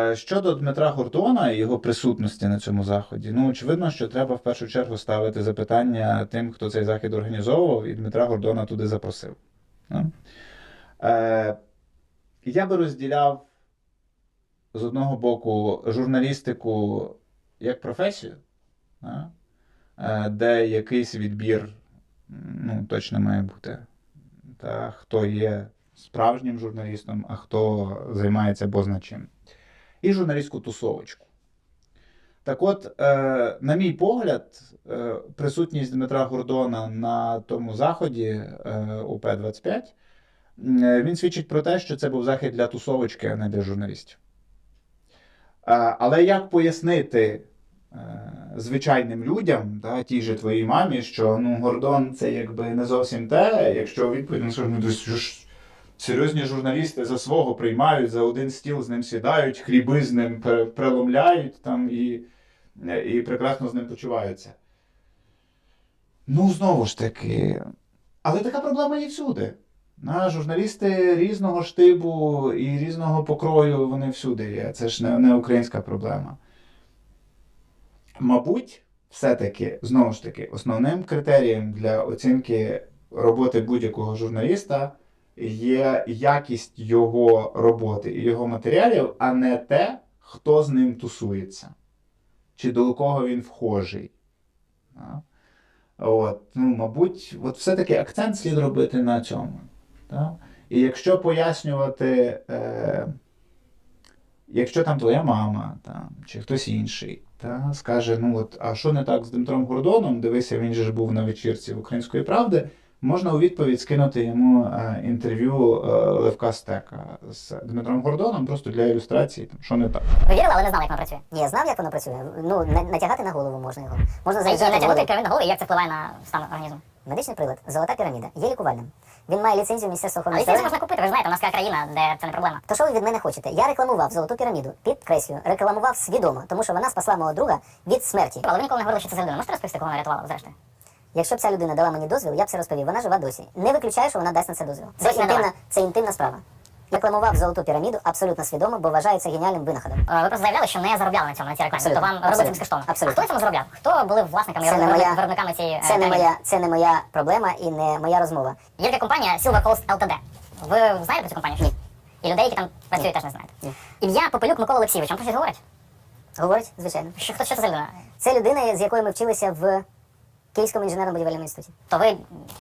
Щодо Дмитра Гордона і його присутності на цьому заході, ну, очевидно, що треба в першу чергу ставити запитання тим, хто цей захід організовував, і Дмитра Гордона туди запросив. Ну? Я би розділяв з одного боку журналістику як професію, де якийсь відбір ну, точно має бути. Та, хто є справжнім журналістом, а хто займається бозначим. І журналістську тусовочку. Так от, на мій погляд, присутність Дмитра Гордона на тому заході УП-25, він свідчить про те, що це був захід для тусовочки, а не для журналістів. Але як пояснити звичайним людям, та, тій же твоїй мамі, що ну, Гордон це якби не зовсім те, якщо відповідь, ну, серйозні журналісти за свого приймають, за один стіл з ним сідають, хліби з ним преломляють там, і прекрасно з ним почуваються. Ну, знову ж таки, але така проблема є всюди. Журналісти різного штибу і різного покрою, вони всюди є. Це ж не українська проблема. Мабуть, все-таки, знову ж таки, основним критерієм для оцінки роботи будь-якого журналіста є якість його роботи і його матеріалів, а не те, хто з ним тусується. Чи до кого він вхожий. От, ну, мабуть, от все-таки акцент слід робити на цьому. Так? І якщо пояснювати, якщо там твоя мама, там, чи хтось інший, та, скаже, ну от, а що не так з Дмитром Гордоном, дивися, він же ж був на вечірці «Української правди», можна у відповідь скинути йому інтерв'ю Левка Стека з Дмитром Гордоном, просто для ілюстрації, там, що не так. Ви вірили, але не знали, як воно працює? Ні, я знав, як воно працює. Ну, натягати на голову можна його. Можна заряджати натягнути керівник на голову, і як це впливає на стан організму? Медичний прилад «Золота піраміда» є лікувальним. Він має ліцензію Міністерства охорони здоров'я. Але ліцензію можна купити, ви ж знаєте, у нас така країна, де це не проблема. То що ви від мене хочете? Я рекламував «Золоту піраміду», підкреслюю, рекламував свідомо, тому що вона спасла мого друга від смерті. Але ви ніколи не говорили, що це за людина. Можете розповісти, кого вона рятувала, зрештою? Якщо б ця людина дала мені дозвіл, я б все розповів. Вона жива досі. Не виключаю, що вона дасть на це дозвіл. Це інтимна справа. Рекламував «Золоту піраміду» абсолютно свідомо, бо вважаю це геніальним винаходом. Ви просто заявляли, що не заробляли на цьому, на цій рекламі. Тобто вам робити безкоштовно. Абсолютно. А хто на цьому заробляв? Хто були власниками і виробниками цієї піраміди? Це не моя проблема і не моя розмова. Є така компанія Silver Coast Ltd. Ви знаєте про цю компанію? Ні. І людей, які там працюють, теж не знаєте? Ні. Ім'я Попелюк Микола Олексійович. Вам про щось говорить? Говорить, звичайно. Що це за людина? Це людина, з якою ми вчилися в Київському інженерно-будівельному інституті. То ви